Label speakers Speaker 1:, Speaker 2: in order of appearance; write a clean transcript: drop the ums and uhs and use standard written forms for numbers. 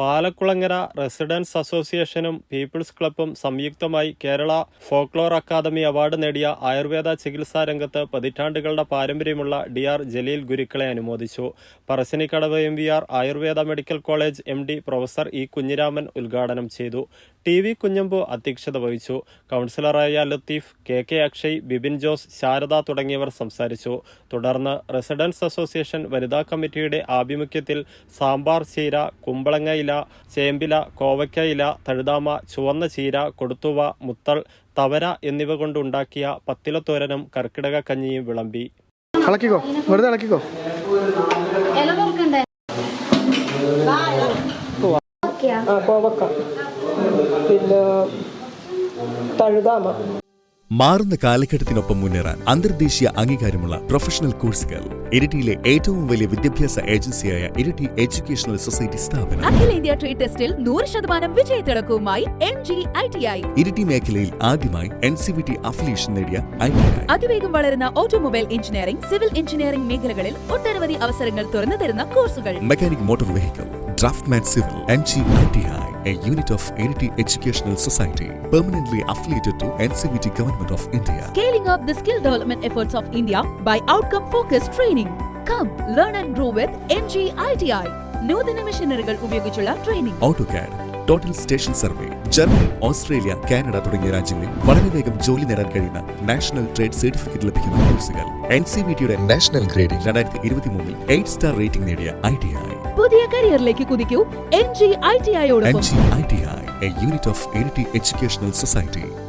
Speaker 1: പാലക്കുളങ്ങര residence അസോസിയേഷനും people's ക്ലബ്ബും സംയുക്തമായി Kerala folklore academy award നേടിയ ആയുർവേദ ചികിത്സാ രംഗത്ത് പതിറ്റാണ്ടുകളുടെ പാരമ്പര്യമുള്ള DR ജലീൽ ഗുരുക്കളെ അനുമോദിച്ചു. Parassinikkadavu MVR Ayurveda medical college MD professor E. Kunhiraman ഉദ്ഘാടനം ചെയ്തു. TV കുഞ്ഞമ്പു അധ്യക്ഷത വഹിച്ചു. കൗൺസിലറായ ലത്തീഫ്, KK അക്ഷയ്, ബിബിൻ ജോസ്, ശാരദ തുടങ്ങിയവർ സംസാരിച്ചു. തുടർന്ന് റെസിഡൻസ് അസോസിയേഷൻ വനിതാ കമ്മിറ്റിയുടെ ആഭിമുഖ്യത്തിൽ സാമ്പാർ ചീര, കുമ്പളങ്ങ ഇല, ചേമ്പില, കോവയ്ക്ക ഇല, തഴുതാമ, ചുവന്ന ചീര, കൊടുത്തുവ, മുത്തൾ, തവര എന്നിവ കൊണ്ടുണ്ടാക്കിയ പത്തിലത്തോരനും കർക്കിടക കഞ്ഞിയും വിളമ്പി.
Speaker 2: മാറുന്ന കാലഘട്ടത്തിനൊപ്പം മുന്നേറാൻ അന്തർദേശീയ അംഗീകാരമുള്ള പ്രൊഫഷണൽ കോഴ്സുകൾ. ഇരിട്ടിയിലെ ഏറ്റവും വലിയ വിദ്യാഭ്യാസ ഏജൻസിയായ ഇരിട്ടി എഡ്യൂക്കേഷണൽ സൊസൈറ്റി സ്ഥാപനം.
Speaker 3: അഖിലേന്ത്യാ ട്രേഡ് ടെസ്റ്റിൽ 100% വിജയത്തിളക്കവുമായി MG-ITI.
Speaker 2: ഇരിട്ടി മേഖലയിൽ ആദ്യമായി NCVT അഫിലിയേഷൻ നേടിയ ITI.
Speaker 3: അതിവേഗം വളരുന്ന ഓട്ടോമൊബൈൽ എഞ്ചിനീയറിംഗ്, സിവിൽ എഞ്ചിനീയറിംഗ് മേഖലകളിൽ ഒട്ടനവധി അവസരങ്ങൾ തുറന്നു തരുന്ന കോഴ്സുകൾ.
Speaker 2: Mechanic motor vehicle, draughtsman civil. MG-ITI, a unit of Iriti Educational Society, permanently affiliated to NCVT Government of India.
Speaker 3: Scaling up the skill development efforts of India by outcome-focused training. Come, learn and grow with MG-ITI. നൂതന മെഷീനറികൾ ഉപയോഗിച്ചുള്ള training.
Speaker 2: AutoCAD, total station survey. Germany, Australia, Canada തുടങ്ങിയ രാജ്യങ്ങളിൽ വളരെ വേഗം ജോലി നേടാൻ കഴിയുന്ന നാഷണൽ ട്രേഡ് സർട്ടിഫിക്കറ്റ് ലഭിക്കുന്ന കോഴ്സുകൾ. NCVTയുടെ നാഷണൽ ഗ്രേഡിംഗ് 2023 8 സ്റ്റാർ റേറ്റിംഗ് നേടിയ ITI.
Speaker 3: പുതിയ കരിയറിലേക്ക് കുതിക്കൂ MG-ITI യോടൊപ്പം.
Speaker 2: MG-ITI, a unit of Iriti Educational Society.